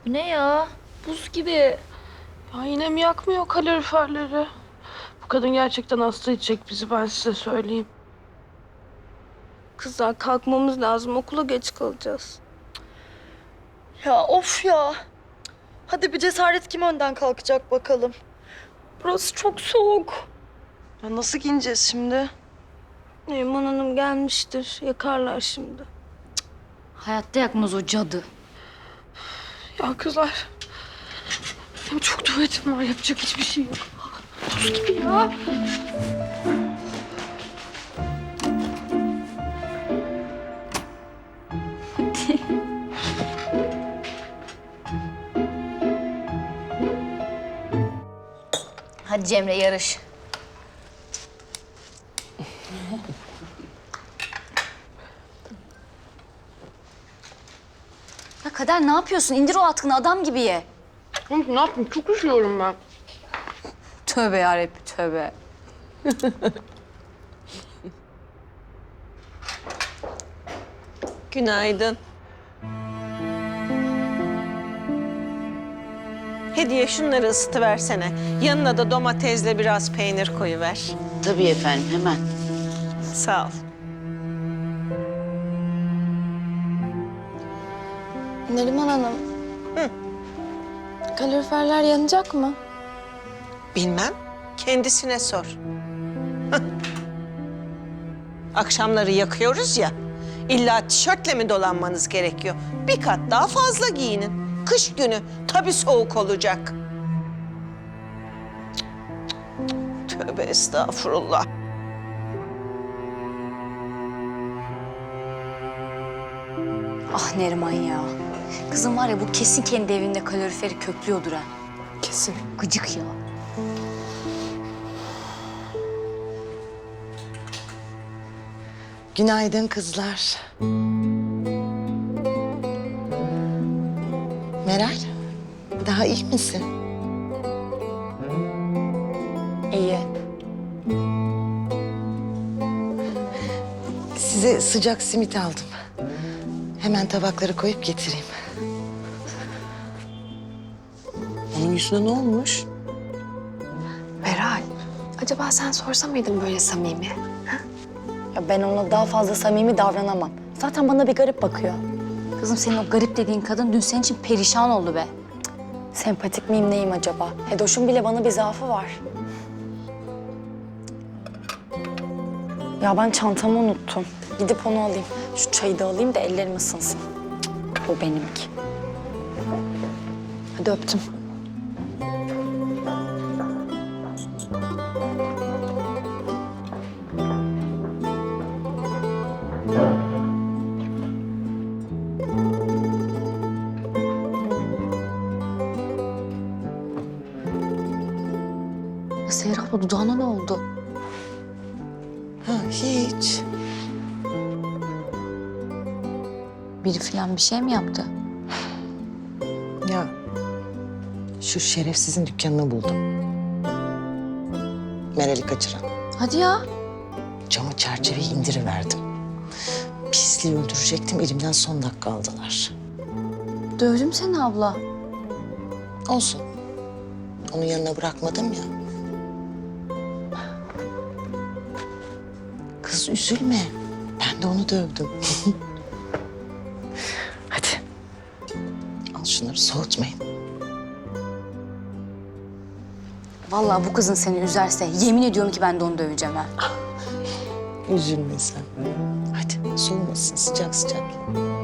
Bu ne ya? Buz gibi. Ya yine mi yakmıyor kaloriferleri? Bu kadın gerçekten hasta edecek bizi, ben size söyleyeyim. Kızlar kalkmamız lazım. Okula geç kalacağız. Ya of ya. Hadi bir cesaret kim önden kalkacak bakalım. Burası çok soğuk. Ya nasıl giyineceğiz şimdi? Neriman Hanım gelmiştir. Yakarlar şimdi. Hayatta yakmaz o cadı. Ya kızlar, benim çok tuvaletim var, yapacak hiçbir şey yok. Buz gibi ya. Hadi Cemre yarış. Ya Kader ne yapıyorsun? İndir o atkını, adam gibi ye. Oğlum ne yapayım, çok üşüyorum ben. Tövbe yarabbim tövbe. Günaydın. Hediye şunları ısıtıversene. Yanına da domatesle biraz peynir koyuver. Tabii efendim, hemen. Sağ ol. Neriman Hanım. Kaloriferler yanacak mı? Bilmem. Kendisine sor. Hah. Akşamları yakıyoruz ya. İlla tişörtle mi dolanmanız gerekiyor? Bir kat daha fazla giyinin. Kış günü tabii soğuk olacak. Tövbe estağfurullah. Ah Neriman ya. Kızım var ya bu kesin kendi evinde kaloriferi köklüyordur ha. Kesin. Gıcık ya. Günaydın kızlar. Meral, daha iyi misin? İyi. Size sıcak simit aldım. Hemen tabakları koyup getireyim. Onun yüzüne ne olmuş? Meral, acaba sen sorsa mıydın böyle samimi? Ya ben ona daha fazla samimi davranamam. Zaten bana bir garip bakıyor. Kızım senin o garip dediğin kadın dün senin için perişan oldu be. Sempatik miyim neyim acaba? Hedoş'un bile bana bir zaafı var. Ya ben çantamı unuttum. Gidip onu alayım. Şu çayı da alayım da ellerim ısınsın. Bu benimki. Hadi öptüm. Ya Seher abla dudağına ne oldu? Ha, hiç. Biri falan bir şey mi yaptı? Ya, şu şerefsizin dükkanını buldum. Meral'i kaçıran. Hadi ya. Camı çerçeveyi indiriverdim. Pisliği öldürecektim, elimden son dakika aldılar. Dövdüm seni abla. Olsun. Onun yanına bırakmadım ya. Kız üzülme. Ben de onu dövdüm. Hadi. Al şunları, soğutmayın. Vallahi bu kızın seni üzerse yemin ediyorum ki ben de onu döveceğim ha. Üzülme sen. Hadi soğumasın, sıcak sıcak.